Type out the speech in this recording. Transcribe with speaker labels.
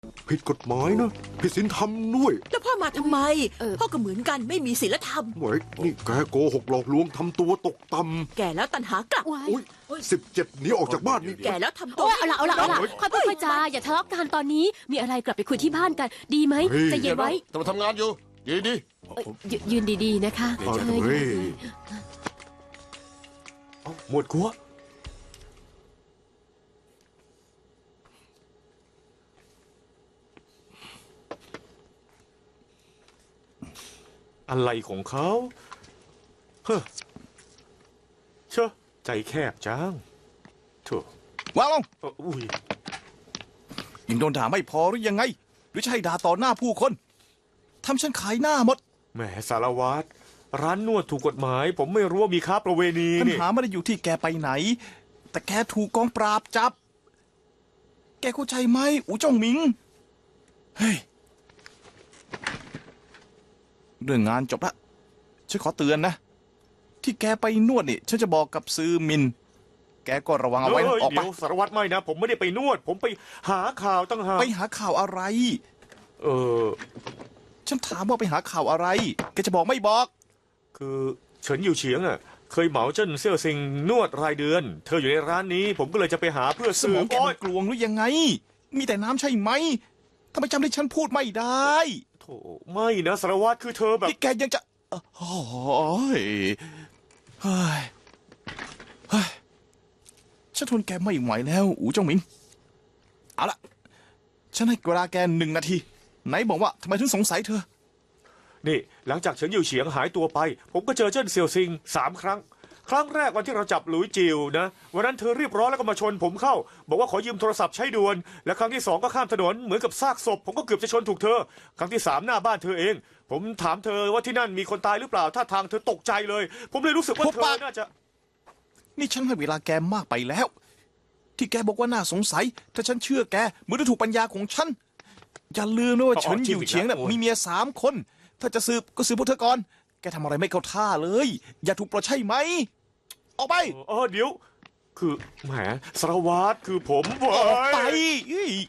Speaker 1: ผิดกฎหมายนะผิดศีลธรรมด้วย
Speaker 2: แล้วพ่อมาทำไม พ่อก็เหมือนกันไม่มีศีลธรรม
Speaker 1: เว้ยนี่แกโกหกหลอกลวงทำตัวตกต่
Speaker 2: แก่แล้วตัณหากลับ
Speaker 1: ำอุ้ย17หนีออกจากบ้านนี่
Speaker 2: แก่แล้วทำตัว
Speaker 3: โอ้ยเอาละค่อยพูดค่อยจาอย่าทะเลาะกันตอนนี้มีอะไรกลับไปคุยที่บ้านกัน ดีไหมใจเย็นไว้
Speaker 4: แต่มาทำงานอยู่ดี
Speaker 3: ยืนดีๆนะคะ
Speaker 1: เอา
Speaker 3: เชิญ
Speaker 1: เฮ้ย
Speaker 5: หมวดกัวอะไรของเขาเฮ้อเชอะใจแคบจังโถ่
Speaker 6: วางลง
Speaker 5: อุ้ย
Speaker 6: ยังโดนด่าไม่พอหรือยังไง หรือจะให้ด่าต่อหน้าผู้คนทำฉันขายหน้าหมด
Speaker 5: แหมสารวัตรร้านนวดถูกกฎหมาย ผมไม่รู้ว่ามีค้าประเวณี
Speaker 6: ปัญ
Speaker 5: นี่
Speaker 6: หาไม่ได้อยู่ที่แกไปไหน แต่แกถูกกองปราบจับ แกเข้าใจไหมอูจ้องหมิง เฮ้ย เรื่องงานจบละฉันขอเตือนนะ ที่แกไปนวดนี่ฉันจะบอกกับซือมิน แกก็ระวังเอาไว้นะออกไป
Speaker 5: เดี๋ยวสารวัตรไม่นะ ผมไม่ได้ไปนวด ผมไปหาข่าวตั้งหาก
Speaker 6: ไปหาข่าวอะไร
Speaker 5: เออ
Speaker 6: ฉันถามว่าไปหาข่าวอะไร แกจะบอกไม่บอก
Speaker 5: คือเฉินอยู่เฉียงอ่ะ เคยเหมาเจิ้นเซี่ยวซิงนวดรายเดือน เธออยู่ในร้านนี้ ผมก็เลยจะไปหาเพื่อ
Speaker 6: ส
Speaker 5: สื
Speaker 6: ม
Speaker 5: บ
Speaker 6: องแก
Speaker 5: โอ๊
Speaker 6: มั
Speaker 5: ย
Speaker 6: นกลวงหรือยังไง มีแต่น้ำใช่ไหมทำไมจำที่ฉันพูดไม่ได้
Speaker 5: โถไม่นะสารวัตรคือเธอแบบ
Speaker 6: ที่แกยังจะโอ้ยเฮ้ยเฮ้ยฉันทนแกไม่ไหวแล้ว อูเจ้าหมิง เอาละฉันให้เวลาแก1 นาที ไหนบอกว่าทำไมถึงสงสัยเธอ
Speaker 5: นี่หลังจากเฉินอยู่เฉียงหายตัวไป ผมก็เจอเจิ้นเซี่ยวซิง3 ครั้ง ครั้งแรกวันที่เราจับหลุยจิวนะวันนั้นเธอรีบร้อนแล้วก็มาชนผมเข้า บอกว่าขอยืมโทรศัพท์ใช้ด่วน และครั้งที่2ก็ข้ามถนนเหมือนกับซากศพ ผมก็เกือบจะชนถูกเธอ ครั้งที่3หน้าบ้านเธอเอง ผมถามเธอว่าที่นั่นมีคนตายหรือเปล่าท่าทางเธอตกใจเลย ผมเลยรู้สึกว่า
Speaker 6: หุบ
Speaker 5: เธ
Speaker 6: ปา
Speaker 5: อก น่าจะ
Speaker 6: นี่ฉันให้เวลาแกมากไปแล้ว ที่แกบอกว่าน่าสงสัย ถ้าฉันเชื่อแกเหมือนจะถูกปัญญาของฉัน อย่าลืมนะว่า
Speaker 5: อ๋อ
Speaker 6: เฉินอยู่เฉียงน่ะ
Speaker 5: จริงอีกแล้ว
Speaker 6: มีเมีย3 คน ถ้าจะสืบก็สืบพวกเธอก่อน แกทำอะไรไม่เข้าท่าเลย อย่าถูกปลดใช่ไหม ออกไป
Speaker 5: เดี๋ยว คือแหมสารวัตรคือผมเว้
Speaker 6: ออกไป
Speaker 5: ย
Speaker 6: เฮ้ย